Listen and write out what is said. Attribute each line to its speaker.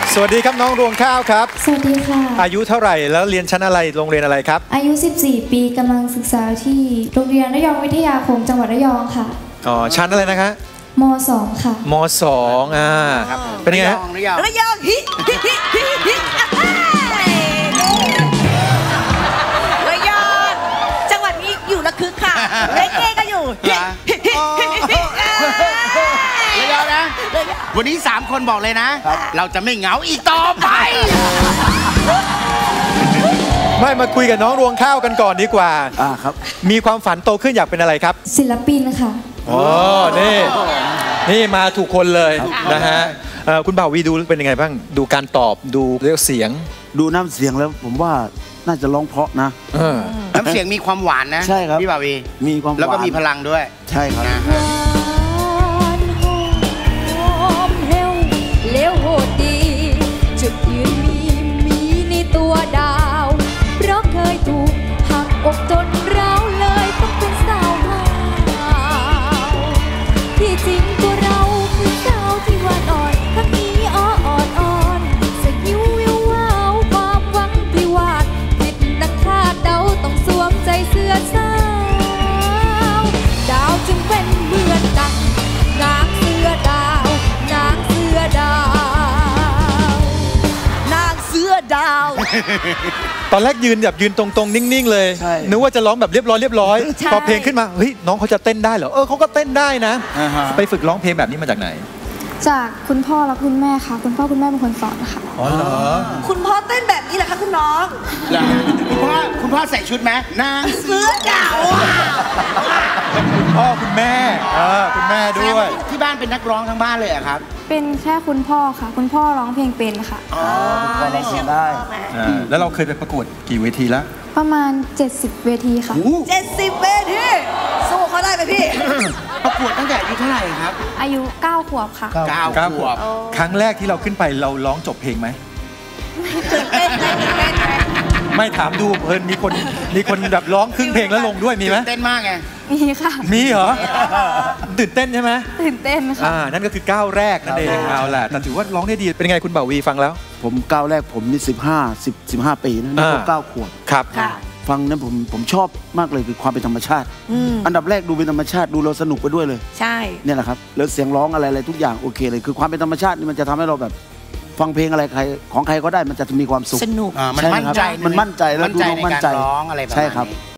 Speaker 1: สวัสดีครับน้องรวงข้าวครับ
Speaker 2: สวัสดีค่ะ
Speaker 1: อายุเท่าไหร่แล้วเรียนชั้นอะไรโรงเรียนอะไรครับ
Speaker 2: อายุ14 ปีกำลังศึกษาที่โรงเรียนระยองวิทยาคมจังหวัดระยองค่ะ
Speaker 1: อ๋อชั้นอะไรนะคะ
Speaker 2: ม.2 ค่ะ
Speaker 1: ม.2เป็นไงฮะ
Speaker 3: ระยองฮิระยองจังหวัดนี้อยู่ระคึกค่ะเรเก้ก็อยู่
Speaker 4: ระยองนะวันนี้3คนบอกเลยนะเราจะไม่เหงาอีกต่อไป
Speaker 1: ไม่มาคุยกับน้องรวงข้าวกันก่อนดีกว่า
Speaker 5: ครับ
Speaker 1: มีความฝันโตขึ้นอยากเป็นอะไรครับ
Speaker 2: ศิลปินค่ะ
Speaker 1: อ๋อนี่มาถูกคนเลยนะฮะคุณบ่าววีดูเป็นยังไงบ้างดูการตอบดูเรียกเสียง
Speaker 5: ดูน้ำเสียงแล้วผมว่าน่าจะร้องเพราะนะ
Speaker 4: น้ำเสียงมีความหวานนะ
Speaker 5: ใช่ครับ
Speaker 4: พี่บ่าววี
Speaker 5: มีความหวาน
Speaker 4: แล้วก็มีพลังด้วย
Speaker 5: ใช่ครับ
Speaker 6: เลี้ยวโหดดีจุดยืนมีในตัวดาวเพราะเคยถูกหักอกจนร้าวเลยต้องเป็นสาวหาวที่จริงตัวเราคือสาวที่หวานอ่อนทั้งนี้อ่อนสยิววิววาวความหวังที่วาดผิดนักคาดเดาต้องสวมใจเสื้อสาวดาวจึงเป็นเหมือนดังนางเสื้อดาวนางเสื้อดาวนางเสื้อดาว
Speaker 1: ตอนแรกยืนแบบยืนตรงๆนิ่งๆเลยนึกว่าจะร้องแบบเรียบร้อยพอเพลงขึ้นมาเฮ้ยน้องเขาจะเต้นได้เหรอเขาก็เต้นได้นะไปฝึกร้องเพลงแบบนี้มาจากไหน
Speaker 2: จากคุณพ่อและคุณแม่ค่ะคุณพ่อคุณแม่เป็นคนสอนค่ะ
Speaker 1: อ๋อเหรอ
Speaker 3: คุณพ่อเต้นแบบนี้เหรอคะคุณน้อง
Speaker 4: คุณพ่อใส่ชุดไหมนางเสื้อดาว
Speaker 1: พ่อคุณแม่คุณแม่ด้วย
Speaker 4: ที่บ้านเป็นนักร้องทั้งบ้านเลยอะครับ
Speaker 2: เป็นแค่คุณพ่อค่ะคุณพ่อร้องเพลงเป็นค่ะ
Speaker 5: ได้เสียงได้
Speaker 1: แล้วเราเคยไปประกวดกี่เวทีแล้ว
Speaker 2: ประมาณ70 เวทีค่ะ
Speaker 3: 70 เวทีสู้เขาได้ไหมพี่
Speaker 4: ประกวดตั้งแต่อายุเท่าไหร่ครับ
Speaker 2: อายุ9 ขวบค่ะ
Speaker 4: 9 ขวบ
Speaker 1: ครั้งแรกที่เราขึ้นไปเราร้องจบเพลงไหม
Speaker 3: ตื่นเต้นไหม
Speaker 1: ไม่ถามดูเพลินมีคนแบบร้องครึ่งเพลงแล้วลงด้วยมีไหม
Speaker 4: ตื่นเต้นมากไง
Speaker 2: มีค่ะ
Speaker 1: มีเหรอตื่นเต้นใช่ไหม
Speaker 2: ตื่นเต้นค่ะ
Speaker 1: นั่นก็คือก้าวแรกนั่นเองเอาแหละแต่ถือว่าร้องได้ดีเป็นไงคุณบ่าววีฟังแล้ว
Speaker 5: ผมก้าวแรกผมนี่15 ปีนะนี่ก็9 ขวบ
Speaker 1: ครับ
Speaker 5: ฟังนั้นผมชอบมากเลยคือความเป็นธรรมชาติอันดับแรกดูเป็นธรรมชาติดูเราสนุกไปด้วยเลย
Speaker 3: ใช่
Speaker 5: เนี่ยแหละครับแล้วเสียงร้องอะไรทุกอย่างโอเคเลยคือความเป็นธรรมชาตินี่มันจะทำให้เราแบบฟังเพลงอะไรใครของใครก็ได้มันจะมีความสุข
Speaker 3: สนุก
Speaker 4: มันมั่นใจ
Speaker 5: แล้วดูน้องมั่นใจ
Speaker 4: ร้องอะไรแบบนี้
Speaker 5: ใช่ครับ